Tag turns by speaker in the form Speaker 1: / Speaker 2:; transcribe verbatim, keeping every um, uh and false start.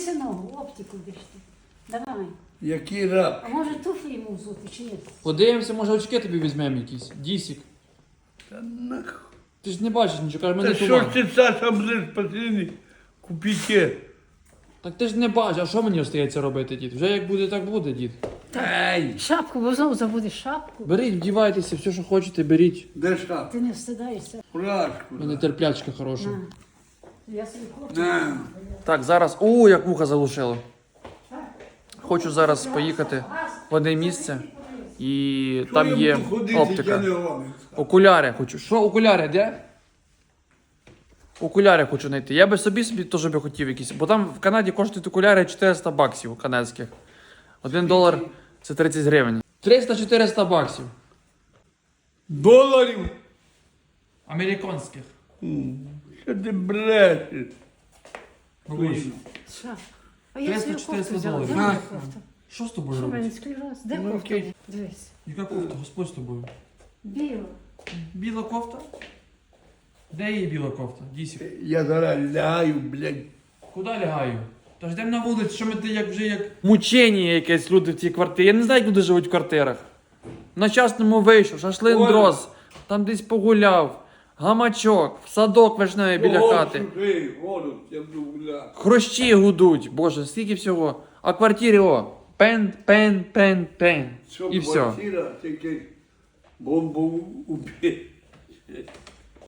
Speaker 1: Синок, оптику дишти. Давай.
Speaker 2: Який раб?
Speaker 1: А може туфлі йому взути, чи ні?
Speaker 3: Подивимося, може очки тобі візьмемо якісь. Дісік.
Speaker 2: Та нах...
Speaker 3: Ти ж не бачиш нічого, каже,
Speaker 2: Та
Speaker 3: мене
Speaker 2: що
Speaker 3: туман.
Speaker 2: ж ти, Саша, будеш посередині купити?
Speaker 3: Так ти ж не бачиш, а що мені остається робити, дід? Вже як буде, так буде, дід.
Speaker 2: Ай,
Speaker 1: Шапку, бо знову забудеш шапку.
Speaker 3: Беріть, вдівайтеся, все, що хочете, беріть.
Speaker 2: де шап?
Speaker 1: Ти не встидаєшся.
Speaker 2: Фуражку.
Speaker 3: У мене терплячка хороша.
Speaker 1: На. Я собі хочу.
Speaker 2: На.
Speaker 3: Так, зараз. О, як вуха залушило. Хочу зараз поїхати в одне місце. І там є оптика. Окуляри хочу. Що, окуляри, де? Окуляри хочу знайти. Я би собі собі теж би хотів якісь. Бо там в Канаді коштують окуляри чотириста баксів канадських. Один долар це тридцять гривень. триста-чотириста баксів.
Speaker 2: Доларів?
Speaker 3: Американських.
Speaker 2: Що ти брешеш?
Speaker 1: Шапку. А я свою
Speaker 3: триста-чотириста
Speaker 1: кофту взяла.
Speaker 3: доларів.
Speaker 1: Де моя
Speaker 2: На.
Speaker 1: кофта?
Speaker 3: Що з тобою
Speaker 1: Що в мене
Speaker 3: робить?
Speaker 1: склероз? Де
Speaker 2: Ну,
Speaker 1: кофта?
Speaker 2: окей.
Speaker 1: Дивись.
Speaker 3: Яка кофта? Господь з тобою.
Speaker 1: Біла.
Speaker 3: Біла кофта? Де її біла кофта? Дісік.
Speaker 2: Я зараз лягаю, блядь.
Speaker 3: Куди лягаю? Та ж йдемо на вулицю, що ми ти як вже як... Мучення якесь люди в цій квартирі. Я не знаю, як люди живуть в квартирах. На частному вийшов, шашлин
Speaker 2: Оля.
Speaker 3: дрос, там десь погуляв, гамачок, в садок вишневий біля хати.
Speaker 2: Чужий, голос, я буду гуляти.
Speaker 3: Хрущі гудуть, боже, скільки всього. А в квартирі о, пен, пен, пен, пен.
Speaker 2: Що
Speaker 3: І все.
Speaker 2: квартира, тільки бомбу убити.